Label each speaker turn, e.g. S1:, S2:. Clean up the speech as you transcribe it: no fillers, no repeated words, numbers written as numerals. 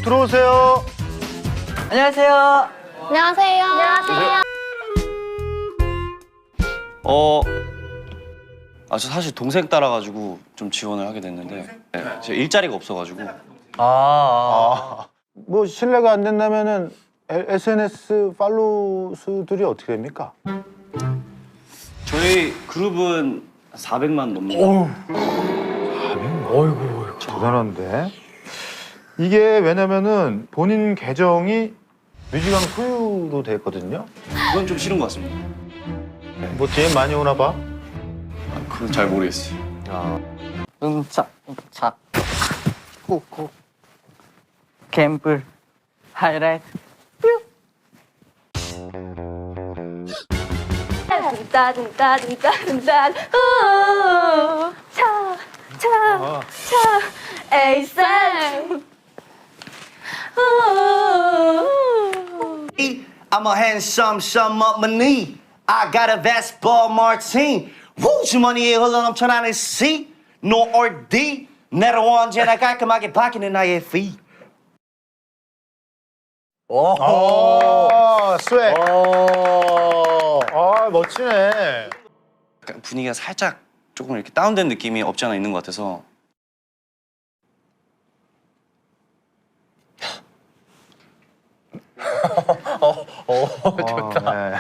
S1: 들어오세요.
S2: 안녕하세요.
S3: 안녕하세요. 안녕하세요.
S4: 저 사실 동생 따라가지고 좀 지원을 하게 됐는데 네, 제가 일자리가 없어가지고.
S1: 뭐 실례가 안 된다면은 SNS 팔로우 수들이 어떻게 됩니까?
S4: 저희 그룹은 400만 넘는.
S1: 대단한데. 이게 왜냐면은 본인 계정이 뮤직왕 소유로 됐거든요.
S4: 그건 좀 싫은 것 같습니다.
S1: 뭐 DM 많이 오나 봐.
S4: 그건 잘 모르겠어요.
S2: 응착, 꾹꾹. 갬블, 하이라이트.
S3: 둥따둥따둥따둥따 차차차 에이쌤
S5: I'm a handsome, some up my knee. I got a Vespa Martine. Woo, 주머니에 흘러넘쳐나는 C, no or D. 내로 언제나 깔끔하게 바뀌는 나의 fee.
S1: 스웩. 멋지네.
S4: 약간 분위기가 살짝 조금 이렇게 다운된 느낌이 없지 않아 있는 것 같아서.
S1: 좋다.